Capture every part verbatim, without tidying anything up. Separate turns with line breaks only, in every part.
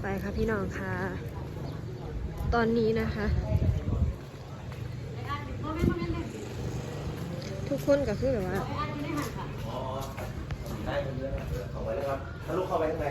ไปค่ะพี่น้องค่ะตอนนี้นะคะ ทุกคนก็คือแบบว่า
อ๋อได้เรื่อยๆเข้าไปเลยครับถ้าลูกเข้าไปข้างใน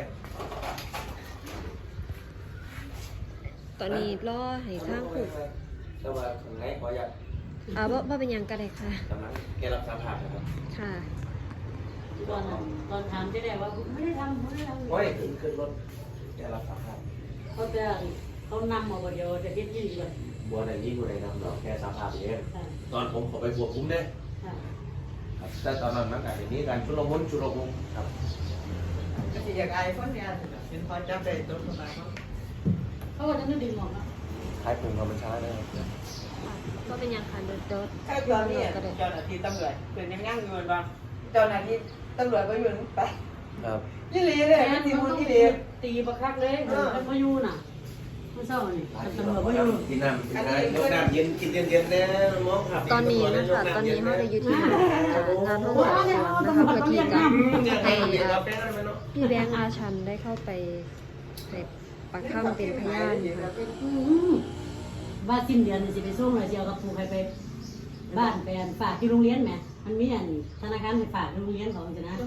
ตอนนี้รอให้ทางผูก
แต่ว่าข้างในขออยาก
อ่าบ่บ่เป็นหยังก็ได้ค่ะ
กำลังแกรับสารภาพนะครับ
ค่ะ
ตอนนั้นตอนถามเจ๊แดงว่าไม่ได้ทำไม่ได้ทำ
โอ้ยขึ้นขึ้นรถแกรับสารภาพ
เขาจะเขานำมาวันเดียวจะเฮ็ดยี่ดีเลย
บัวในนี้บัวในนำเราแค่สารภาพเองตอนผมขอไปบวกคุ้มเนี่ยครับแต่ตอนนั้นมันการอย่างนี้การชุลมุนชุลมุนครับ
ก็จะอยากอายคนเนี่ยเห็นพอจับได้ตัวคนนั้น
เขาว่าจะไม่ดึงออกนะ
ท้ายผมธรรมชาติได้
ก็เป็นหยังค่ะเดินเดิน
ถ้าตอนนี้เจ้าหน้าที่ตำรวจเป็นยังยั่งยืนบ้างเจ้าหน้าที่ตำรวจไปยืนไป
ครับ
ยี่ลีเลยที่มุนยี่ลี
ตีประคักเลยมันมาอยู่น่ะไม่เศร้านี่ตำรวจมาอยู่
กินน้ำกินน้ำยกน้ำเย็นกินเย็นๆเนี่ยมองครับ
ตอนนี้นะคะตอนนี้เราได้อยู่ที่งานห้องสอบสวนนะคะเพื่อที่จะให้อ่าพี่แบงค์อาชันได้เข้าไปในปากถ้ำเป็นพยานค่ะ
ว่าสิ้นเดือนจะไปส่งเลยเจียวกับปูใครไปบ้านไปฝากที่โรงเรียนไหมมันมีอันธนาคารไปฝากที่โรงเรียนของจะนะ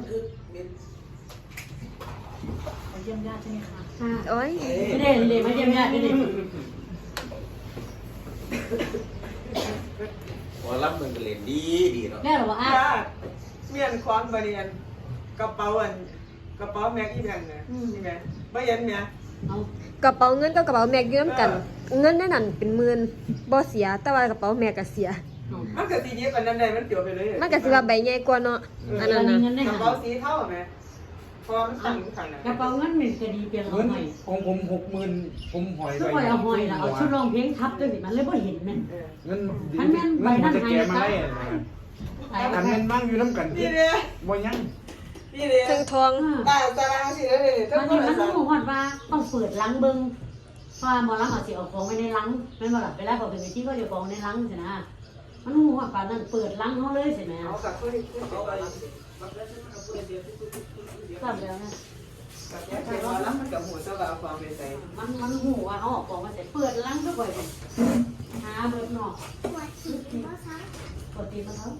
ไปเยี่ยมญาติใช่ไหมคะค่ะ
โอ้ย
ไม่ได้เลยมาเยี่ยมญาติไม่ได้
ว่ารับมันเป็นเลนดีดีเนาะ
แม่หรอวะอ่ะ
ญาติเมียนความบริเวณกระเป๋าอันกระเป๋าแม็กอีแบงเนี่ยนี่ไงไม่เย็นเนี่ย
เอา
กระเป๋าเงินกับกระเป๋าแม็กอยู่น้ำกัน เงินในนั้นเป็นหมื่นบ่เสียแต่ว่ากระเป๋าแม็กก็เสีย
มันก็สีนี้ปันนั้นได้มันเกี่ยวไปเลย
มันก็สิว่าใบใหญ่กว่าเนาะอันนั้นนะ
กระเป๋าสีเท่าไหมพอมันตั้งขันนะ
กระเป๋าเงินมันก็ดีเปลี่ยนเอา
เงิน
หน่อย
ของผมหกหมื่นผมหอย
ก็ปล่อยเอาหอยละเอาชุดรองเพลงทับด้วยสิมันเลยบ่เห็นแม่น
เงิน
มันแม่นใบ
เงิน
นั้น
จะแก่มาได้
หาย
กันเงินบ้างอยู่น้ำกัน
นี่เลย
บ่ยัง
นี่เลย
ถึงทอง
ตาตารางสีเลยทั้ง
มัน
คน
มัน
ละ
ต้
สา
อง
ม
บอกว่าต้องเปิดลังเบิ้งเพราะว่าหมอลังเอาสิเอาของไว้ในลังแม่นบ่ล่ะเวลาเขาเป็นที่ก็จะของในลังใช่นะมันหูว่าป่านนั้นเปิดลังเขาเลยใช่ไหม
เอากับคนที่เขาไป
ทราบแล้วนะ
กับแค่ว่าแล้วมันกับหัวเจ้าบ่าวความเป็นใจ
มันมันหูว่าเขาออกของมาเสร็จเปิดลังก็ปล่อยไปหาเบิดนอกปวดตีนมาทั้งปวดตีนมาทั้ง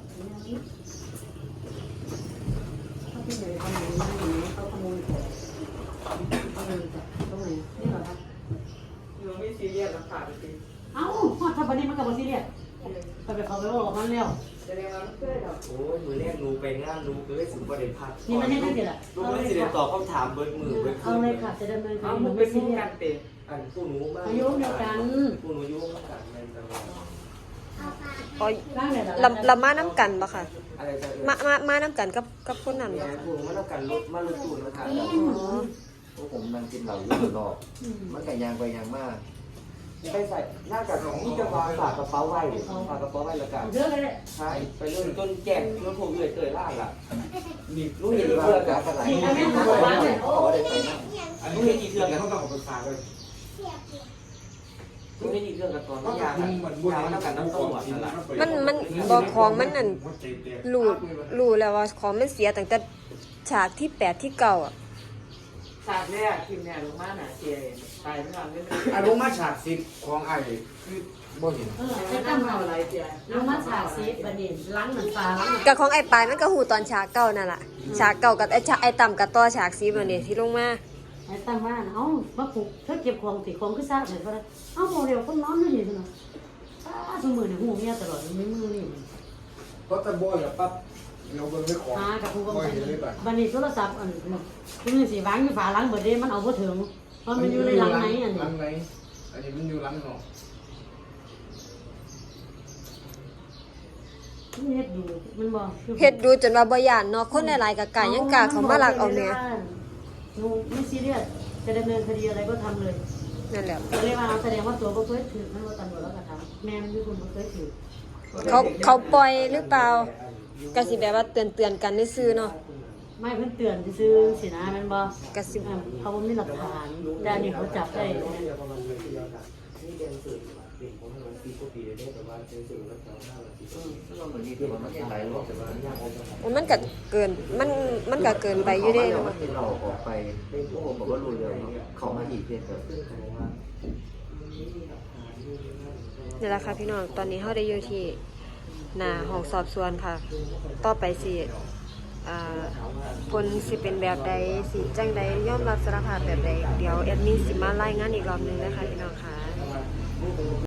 เขาที่ไหนทำไหนมาอย่างนี้เขาขโมยของเขาเลยจากตรงไหนนี่เหรอครับ
อยู่ไม่ซีเรียสราคาจริง
เอ้าถ้าวันนี้มันกับบซีเรียสไปไปเขาไปบอกมันแล้ว
แสดงว่ามันเคยหรอ
โอ้ยมือแรกรูไปงานรูเลยสุดประเด็นพัด
นี่มันให้ได้เสร็จละ
รูไม่สิเดตอบคำถามเบิร์ดมือเบิร์ด
เอาเลยค่ะจะดำเนินค
เอา
ดี
มึ
มั
ง
น
ไป
ไม่ซี
สู้
เรีย
กั
ส
นเตะ
อันผู้หนูมาก
อายุเดียวกัน
ผู้หนูยุ่งกันในตลอด
อ๋อ
บ้างเลยละ
ลำลำมาน้ำกันปะค่ะ
อะไรจะ
มามามาน้ำกันกับกับคนนั้น
เนี่
ปะ
ย
ค่ะ
ผู้หนูมาต้องการรถมาลุตูนมาทาน
อ๋อ
พวกผมนั่งกินเหล้าอยู่นอกมันแต่ยางไปยางมากไปใส่หน้ากากของนี่จะวางฝากกระเป๋าไว้ฝากกระเป๋าไว้ละกัน
เยอะเลย
ใช่ไปเรื่อยจนแก่จนผมเลยเตยล่าล่ะ
นี่
รู้เห็นเพื่อนกับอะไรเขาบอกว่าได้ไปนั่ง
อันนี้เป็นกี่เครื่องแล้วเขาต้องเอาไปฝากเลย
รู้ไม่ดีเรื่องกับตอนยางยางน้ำกันน้ำต้มหวานนั่นแหละ
มันมันบอกของมันนั่นรู้รู้แล้วว่าของมันเสียตั้งแต่ฉากที่แปดที่เก้าอ่ะ
ฉากแรกทีมเนี่ยลงมาหนาเสียตายไม่นอนไม่ได้
อารมณ์มาฉากสิบของไอ้คือบ่เห็น
เออ
ไม่
จะ
ต้อ
ตั้
ง
ง
ทำอะไรเสีย
ลงมาฉากซีบันเด่นล้างเหมือนฟ้าล้าง
กับของไอ้ปลายมันก็หูตอนฉากเก้านั่นแหละฉากเก้ากับไอ้ฉากไอ้ต่ำกับต่อฉากสีมันนี่ที่ลงมา
ไอ้ตั้งว่าเอ้ามาปลุกเธอเก็บของติของคือซากเหมือนกันเอ้าโมเดลคนนอนไม่เห็นเนาะอ้าสมือเนี่ยหูเมียตลอดไม่มือนี่
เพราะตะบ่อยปั๊บเราเบิ่งด้วยของ
หากับผู้กำ
บ่
กับ
เห็นเลยบัด
บันนี้โทรศัพท์อันคุณนี่สิวางอยู่ฝาล้างเบิดเด้มันเอาบ่ถึงเพราะมันอยู่ในลังไหนอัน
หลั
นี้
งไหนอันนี้มันอยู่หลังนอก
เฮ็ดดูมันบ่
เฮ็ดดูจนว่าบ่ย่านเนาะคนหลายๆกับกายยังกล้าเขามาลักเอาแม่
หนูไม่ซีเรียสจะดำเนินคดีอะไรก็ทำเลย
นั่นแหละ
ก็เลยว่าแสดงว่าตัวบ่เคยถือมันว่าตำรวจแล้วก็ทำแม่มันอยู่คนบ่เคยถือ
เขาเขาปล่อยหรือเปล่าก็สิแบบว่าเตือนๆกันซื่อๆเนาะ
ไม่เพิ่นเตือนซื่อสินะแม่นบ่
ก็สิ
เขาบ่มีหลักฐานแต่อันนี้เขาจับได้
นี่เรียนสื่อผมให้มันปีก็ปีได้แต่ว่าเจอสื่อแล้วแถวหน้าเราปีก็ปีเราเหมือนนี่แต่ว่ามันหลายรอบแต่ว่าย่างออกจาก
มันก็เกินมันมันก็เกินไปอยู่เด้
เนาะ
เนาะ
มันเราออกไปพวกผมบอกว่ารู้เรื่องเขามาอีกเพียงแต่
นี่แหละค่ะพี่น้องตอนนี้เฮาได้อยู่ที่หน้าห้องสอบสวนค่ะ ต่อไปสิอ่าผลสิเป็นแบบใดสิจังใดยอมรับสารภาพแบบใดเดี๋ยวแอดมินสิมารายงานอีกรอบหนึงนะคะพี่น้องค่ะ